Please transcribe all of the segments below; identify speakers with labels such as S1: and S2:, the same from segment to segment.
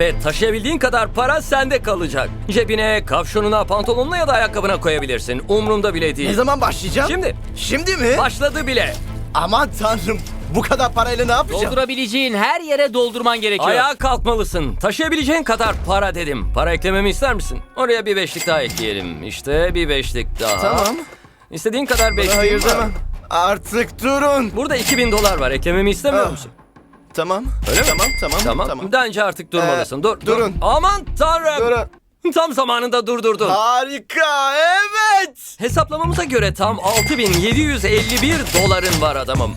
S1: Ve taşıyabildiğin kadar para sende kalacak. Cebine, kavşonuna, pantolonuna ya da ayakkabına koyabilirsin. Umrumda bile değil.
S2: Ne zaman başlayacağım?
S1: Şimdi.
S2: Şimdi mi?
S1: Başladı bile.
S2: Aman tanrım. Bu kadar parayla ne yapacağım?
S3: Doldurabileceğin her yere doldurman gerekiyor.
S1: Ayağa kalkmalısın. Taşıyabileceğin kadar para dedim. Para eklememi ister misin? Oraya bir beşlik daha ekleyelim. İşte bir beşlik daha.
S2: Tamam.
S1: İstediğin kadar beşlik
S2: Hayır
S1: var.
S2: demem. Artık durun.
S1: Burada 2000 dolar var. Eklememi istemiyor
S2: Ah.
S1: musun?
S2: Tamam.
S1: Öyle mi?
S2: Tamam.
S1: Bence artık durmalısın. Dur.
S2: durun.
S1: Aman tanrım.
S2: Durun.
S1: Tam zamanında durdurdun.
S2: Harika. Evet.
S1: Hesaplamamıza göre tam 6751 doların var adamım.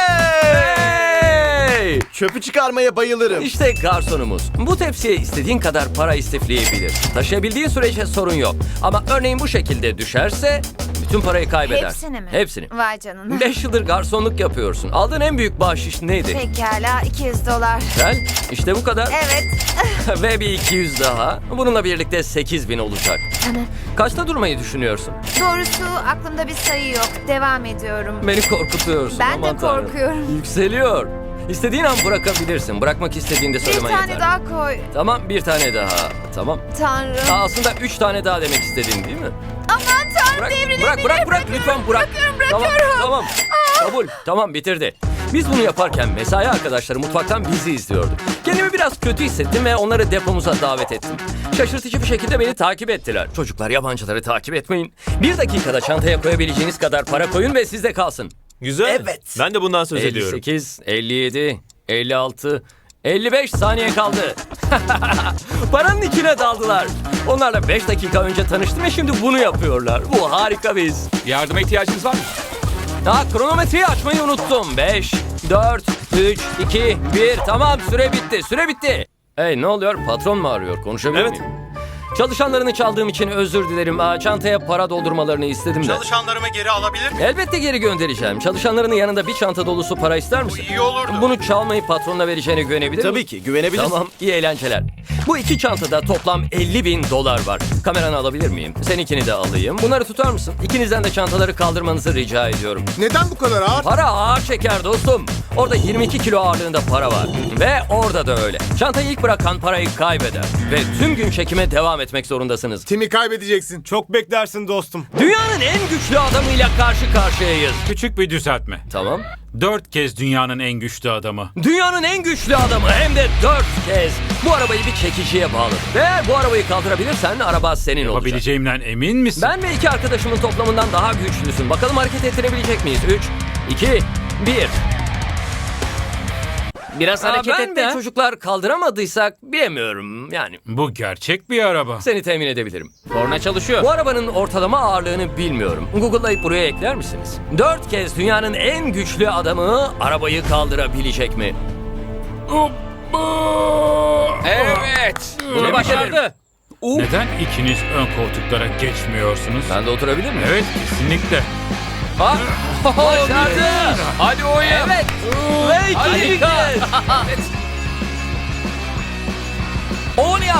S2: Hey!
S1: Hey!
S2: Çöpü çıkarmaya bayılırım.
S1: İşte garsonumuz. Bu tepsiye istediğin kadar para istifleyebilir. Taşıyabildiğin sürece sorun yok. Ama örneğin bu şekilde düşerse bütün parayı kaybeder.
S4: Hepsini mi?
S1: Hepsini.
S4: Vay canına.
S1: 5 yıldır garsonluk yapıyorsun. Aldığın en büyük bahşiş neydi?
S4: Pekala 200 dolar.
S1: Güzel. İşte bu kadar.
S4: Evet.
S1: Ve bir 200 daha. Bununla birlikte 8000 olacak. Kaçta durmayı düşünüyorsun?
S4: Doğrusu aklımda bir sayı yok. Devam ediyorum.
S1: Beni korkutuyorsun.
S4: Ben de
S1: Aman tanrım.
S4: korkuyorum.
S1: Yükseliyor. İstediğin an bırakabilirsin. Bırakmak istediğinde
S4: Bir
S1: söylemen
S4: tane
S1: yeter.
S4: daha koy.
S1: Tamam, bir tane daha. Tamam.
S4: Tanrım.
S1: Aslında 3 tane daha demek istedin değil mi?
S4: Aman tanrım
S1: Bırak,
S4: devrilebilir.
S1: bırak. Lütfen bırak.
S4: Bırakıyorum.
S1: Tamam. Kabul. Tamam, bitirdi. Biz bunu yaparken mesai arkadaşları mutfaktan bizi izliyordu. Kendimi biraz kötü hissettim ve onları depomuza davet ettim. Şaşırtıcı bir şekilde beni takip ettiler. Çocuklar, yabancıları takip etmeyin. 1 dakikada çantaya koyabileceğiniz kadar para koyun ve sizde kalsın.
S5: Güzel.
S2: Evet.
S5: Ben de bundan söz ediyorum.
S1: 58, 57, 56, 55 saniye kaldı. Paranın içine daldılar. Onlarla 5 dakika önce tanıştım ve şimdi bunu yapıyorlar. Bu harika biz.
S6: Yardıma ihtiyacınız var mı?
S1: Kronometreyi açmayı unuttum. 5, 4, 3, 2, 1. Tamam, süre bitti. Süre bitti. Hey, ne oluyor? Patron mu arıyor? Konuşabilir
S5: Evet.
S1: miyim? Çalışanlarını çaldığım için özür dilerim. Çantaya para doldurmalarını istedim de.
S7: Çalışanlarımı geri alabilir miyim?
S1: Elbette geri göndereceğim. Çalışanlarının yanında bir çanta dolusu para ister misin?
S7: iyi olurdu.
S1: Bunu çalmayıp patronuna vereceğine güvenebilir miyim?
S2: Tabii ki güvenebilirsin.
S1: Tamam, iyi eğlenceler. Bu 2 çantada toplam 50.000 dolar var. Kameranı alabilir miyim? Seninkini de alayım. Bunları tutar mısın? İkinizden de çantaları kaldırmanızı rica ediyorum.
S8: Neden bu kadar ağır?
S1: Para ağır şeker dostum. Orada 22 kilo ağırlığında para var. Ve orada da öyle. Çantayı ilk bırakan parayı kaybeder. Ve tüm gün çekime devam etmek zorundasınız.
S8: Tim'i kaybedeceksin.
S5: Çok beklersin dostum.
S1: Dünyanın en güçlü adamıyla karşı karşıyayız.
S6: Küçük bir düzeltme.
S1: Tamam.
S6: 4 kez dünyanın en güçlü adamı.
S1: Dünyanın en güçlü adamı hem de 4 kez. Bu arabayı bir çekiciye bağlı. Ve eğer bu arabayı kaldırabilirsen araba senin olacak.
S6: Yapabileceğimden emin misin?
S1: Ben ve 2 arkadaşımın toplamından daha güçlüsün. Bakalım hareket ettirebilecek miyiz? 3, 2, 1.
S3: Biraz hareket
S1: Ben
S3: et
S1: ve
S3: de.
S1: çocuklar kaldıramadıysak bilemiyorum. Yani
S6: Bu gerçek bir araba.
S1: seni temin edebilirim.
S3: Korna çalışıyor.
S1: Bu arabanın ortalama ağırlığını bilmiyorum. Google'layıp buraya ekler misiniz? 4 kez dünyanın en güçlü adamı arabayı kaldırabilecek mi?
S6: Evet.
S1: Bunu başardı.
S6: Neden ikiniz ön koltuklara geçmiyorsunuz?
S1: Ben de oturabilir miyim?
S6: Evet, kesinlikle.
S1: Bak. Başardı.
S6: Hadi oyun.
S1: Evet. Ve ikinci kez. Onu yap.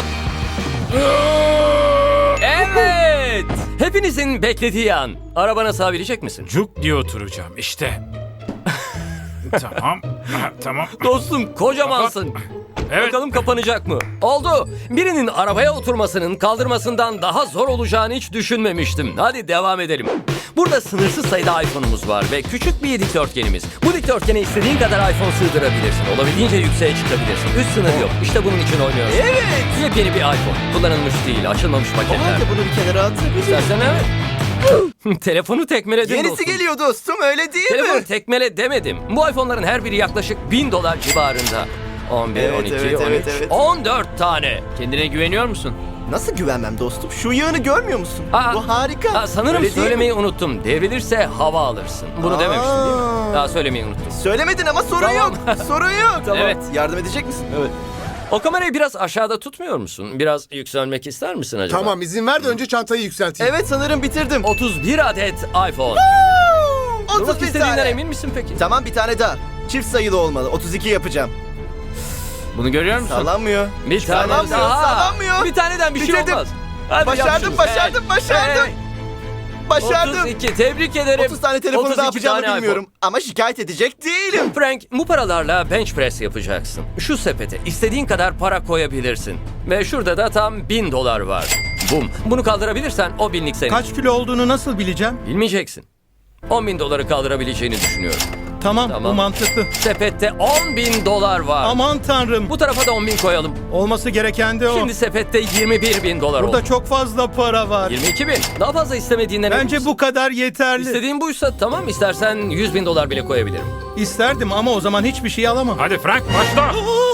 S1: Evet. Hepinizin beklediği an. Arabana sığabilecek misin?
S6: Cuk diye oturacağım işte. Tamam. Tamam.
S1: Dostum kocamansın.
S6: Evet.
S1: Bakalım kapanacak mı? Oldu. Birinin arabaya oturmasının kaldırmasından daha zor olacağını hiç düşünmemiştim. Hadi devam edelim. Burada sınırsız sayıda iPhone'umuz var ve küçük bir dikdörtgenimiz. Bu dikdörtgene istediğin kadar iPhone sığdırabilirsin. Olabildiğince yükseğe çıkabilirsin. Üst sınır yok. İşte bunun için oynuyoruz.
S2: Evet.
S1: Yepyeni bir iPhone. Kullanılmış değil, açılmamış
S2: O
S1: paketler.
S2: halde bunu bir kenara atabilirim.
S1: İstersen evet. Telefonu tekmeledin
S2: Yenisi
S1: dostum.
S2: geliyor dostum öyle değil
S1: Telefonu
S2: mi?
S1: tekmele demedim. Bu iPhone'ların her biri yaklaşık 1000 dolar civarında. 11,
S2: Evet,
S1: 12,
S2: evet,
S1: 13,
S2: evet, evet.
S1: 14 tane.
S3: Kendine güveniyor musun?
S2: Nasıl güvenmem dostum? Şu yağını görmüyor musun?
S1: Aa,
S2: Bu harika.
S1: Sanırım
S2: Öyle değil mi?
S1: söylemeyi unuttum. Devrilirse hava alırsın. Bunu dememiştim değil mi? Daha söylemeyi unuttum.
S2: Söylemedin ama sorun
S1: Tamam.
S2: yok. Sorun yok.
S1: Tamam.
S3: Evet.
S2: Yardım edecek misin? Evet.
S1: O kamerayı biraz aşağıda tutmuyor musun? Biraz yükselmek ister misin acaba?
S8: Tamam izin ver de önce çantayı yükselteyim.
S2: Evet sanırım bitirdim.
S1: 31 adet iPhone. Durmak
S2: 31
S1: istediğinden
S2: tane.
S1: emin misin peki?
S2: Tamam bir tane daha. Çift sayılı olmalı. 32 yapacağım.
S3: Bunu görüyor musun?
S2: Sallanmıyor.
S1: Bir tane
S2: Sallanmıyor,
S1: daha.
S2: sallanmıyor.
S1: Bir taneden bir şey
S2: Bitirdim.
S1: olmaz. Hadi yap
S2: Başardım,
S1: şunu.
S2: başardım, başardım. Başardım.
S1: 32. Tebrik ederim.
S2: 30 tane telefonu
S1: 32
S2: ne yapacağımı
S1: tane
S2: bilmiyorum. Ama şikayet edecek değilim.
S1: Frank, bu paralarla bench press yapacaksın. Şu sepete istediğin kadar para koyabilirsin. Ve şurada da tam $1000 var. Bum. Bunu kaldırabilirsen o binlik senin.
S7: Kaç kilo olduğunu nasıl bileceğim?
S1: Bilmeyeceksin. $10.000 kaldırabileceğini düşünüyorum.
S7: Tamam,
S1: Tamam.
S7: bu mantıklı.
S1: Sepette $10.000 var.
S7: Aman tanrım.
S1: Bu tarafa da 10.000 koyalım.
S7: Olması gereken de o.
S1: Şimdi sepette $21.000 oldu.
S7: Burada çok fazla para var.
S1: 22.000. Daha fazla istemediğinden emin
S7: Bence
S1: misin?
S7: bu kadar yeterli.
S1: İstediğin buysa tamam, istersen $100.000 bile koyabilirim.
S7: İsterdim ama o zaman hiçbir şey alamam.
S6: Hadi Frank başla.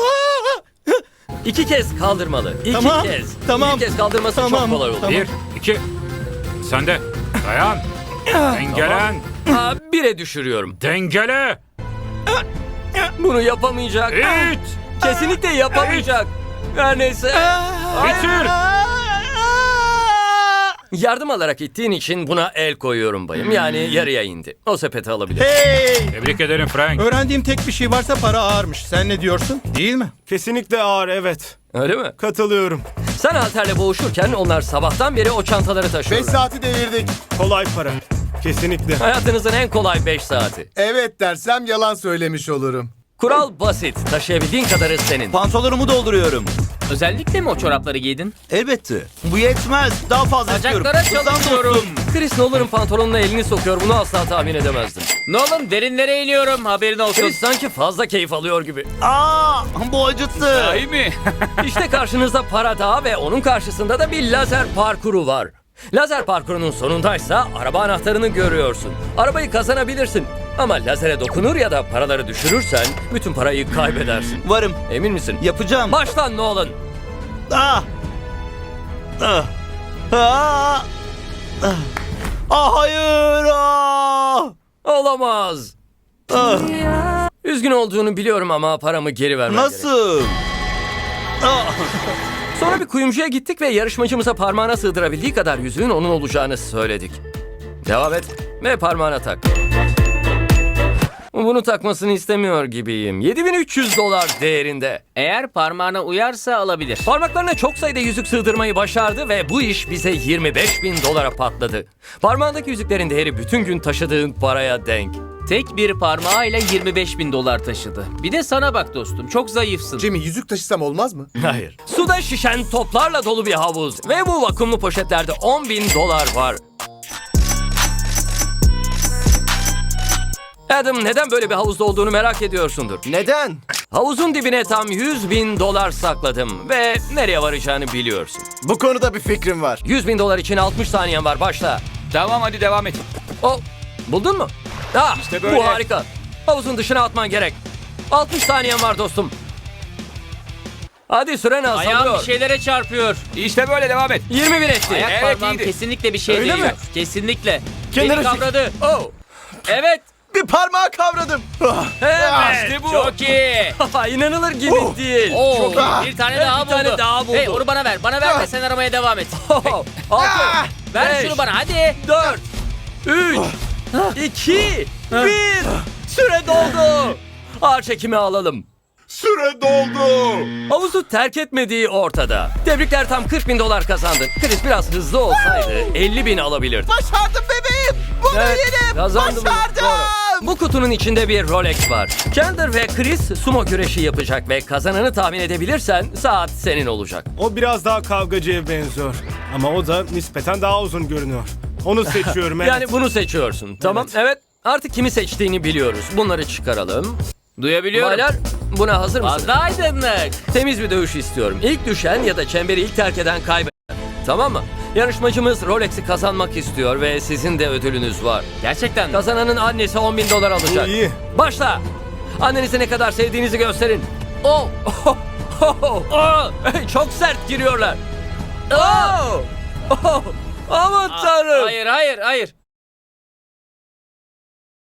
S1: 2 kez kaldırmalı. 2
S7: Tamam,
S1: kez.
S7: tamam.
S1: 1 kez kaldırması
S7: Tamam,
S1: çok kolay oldu.
S7: tamam.
S6: 1, 2. Sen de. Dayan. Dengelen.
S1: 1'e düşürüyorum.
S6: Dengele.
S1: Bunu yapamayacak.
S6: İt.
S1: Kesinlikle yapamayacak. Her neyse.
S6: Bitir.
S1: Yardım alarak ittiğin için buna el koyuyorum bayım. Yani yarıya indi. O sepeti alabilir.
S7: Hey!
S6: Tebrik ederim Frank.
S7: Öğrendiğim tek bir şey varsa para ağırmış. Sen ne diyorsun? Değil mi?
S5: Kesinlikle ağır, evet.
S1: Öyle mi?
S5: Katılıyorum.
S1: Sen halterle boğuşurken onlar sabahtan beri o çantaları
S8: 5
S1: taşıyorlar.
S8: saati devirdik.
S5: Kolay para. Kesinlikle.
S1: Hayatınızın en kolay 5 saati.
S8: Evet dersem yalan söylemiş olurum.
S1: Kural basit. Taşıyabildiğin kadarı senin.
S2: Pantolonumu dolduruyorum.
S3: Özellikle mi o çorapları giydin?
S2: Elbette. Bu yetmez. Daha fazla istiyorum.
S3: Bacaklara çalışıyorum.
S1: Chris Nolan'ın pantolonuna elini sokuyor. Bunu asla tahmin edemezdim.
S3: Nolan derinlere iniyorum, haberin olsun.
S1: Chris sanki fazla keyif alıyor gibi.
S2: Aa, bu acıttı.
S3: İyi mi?
S1: İşte karşınızda para dağı ve onun karşısında da bir lazer parkuru var. Lazer parkurunun sonundaysa araba anahtarını görüyorsun. Arabayı kazanabilirsin. Ama lazere dokunur ya da paraları düşürürsen bütün parayı kaybedersin.
S2: Varım.
S1: Emin misin?
S2: Yapacağım.
S1: Baştan Nolan.
S2: Ah. Ah. Ah. Ah. Ah, hayır. Ah.
S1: Olamaz.
S2: Ah.
S1: Üzgün olduğunu biliyorum ama paramı geri vermem gerek.
S2: Nasıl? Ah.
S1: Sonra bir kuyumcuya gittik ve yarışmacımıza parmağına sığdırabildiği kadar yüzüğün onun olacağını söyledik. Devam et ve parmağına tak. Bunu takmasını istemiyor gibiyim. $7.300 değerinde.
S3: Eğer parmağına uyarsa alabilir.
S1: Parmaklarına çok sayıda yüzük sığdırmayı başardı ve bu iş bize $25.000 patladı. Parmağındaki yüzüklerin değeri bütün gün taşıdığın paraya denk.
S3: Tek bir parmağıyla $25.000 taşıdı. Bir de sana bak dostum, çok zayıfsın.
S8: Jimmy yüzük taşısam olmaz mı?
S1: Hayır. Suda şişen toplarla dolu bir havuz ve bu vakumlu poşetlerde $10.000 var. Adam, neden böyle bir havuzda olduğunu merak ediyorsundur.
S2: Neden?
S1: Havuzun dibine tam $100.000 sakladım ve nereye varacağını biliyorsun.
S2: Bu konuda bir fikrim var.
S1: $100.000 için 60 saniyen var, başla.
S3: Tamam, hadi devam et.
S1: Oh, buldun mu? Ah,
S3: İşte böyle.
S1: bu harika. Havuzun dışına atman gerek. 60 saniyen var dostum. Hadi süren
S3: Ayağım
S1: azalıyor.
S3: bir şeylere çarpıyor. İşte böyle devam et.
S1: 21 etti.
S3: Ayak parmağım kesinlikle bir şey
S1: Öyle
S3: değil.
S1: mi?
S3: Kesinlikle.
S2: Kenara
S3: Beni
S2: çek.
S3: kavradı.
S1: Oh,
S3: Evet.
S2: Bir parmağı kavradım. Ah.
S1: evet.
S3: İşte bu. Çok iyi.
S1: İnanılır gibi değil.
S3: Oo,
S2: Ah.
S3: bir tane
S1: Evet,
S3: daha
S1: bir tane
S3: buldu.
S1: daha buldu.
S3: Hey, onu bana ver. Bana ver de sen aramaya devam et.
S1: Oh, 6,
S3: Ver
S1: 5,
S3: şunu bana hadi.
S1: 4, 3, 2, 1. Süre doldu. Ağır çekimi alalım.
S8: Süre doldu.
S1: Havuzu terk etmediği ortada. Tebrikler, tam $40.000 kazandın. Chris biraz hızlı olsaydı 50.000 alabilirdi.
S2: Başardım bebeğim. Bunu yedim.
S1: kazandım.
S2: Başardım.
S1: Doğru. Bu kutunun içinde bir Rolex var. Chandler ve Chris sumo güreşi yapacak ve kazananı tahmin edebilirsen saat senin olacak.
S5: O biraz daha kavgacıya benziyor. Ama o da nispeten daha uzun görünüyor. Onu seçiyorum, evet.
S1: Yani bunu seçiyorsun. Tamam, evet. Artık kimi seçtiğini biliyoruz. Bunları çıkaralım.
S3: Duyabiliyorum.
S1: Baylar, buna hazır mısınız?
S3: Fazla aydınlık.
S1: Temiz bir dövüş istiyorum. İlk düşen ya da çemberi ilk terk eden kaybeder. Tamam mı? Yarışmacımız Rolex'i kazanmak istiyor ve sizin de ödülünüz var.
S3: Gerçekten mi?
S1: Kazananın annesi $10.000 alacak.
S5: Bu iyi.
S1: Başla. Annenize ne kadar sevdiğinizi gösterin. Oh. Oh. Oh. Oh. Hey, çok sert giriyorlar. Oh. Oh. Aman tanrım.
S3: Hayır, hayır, hayır.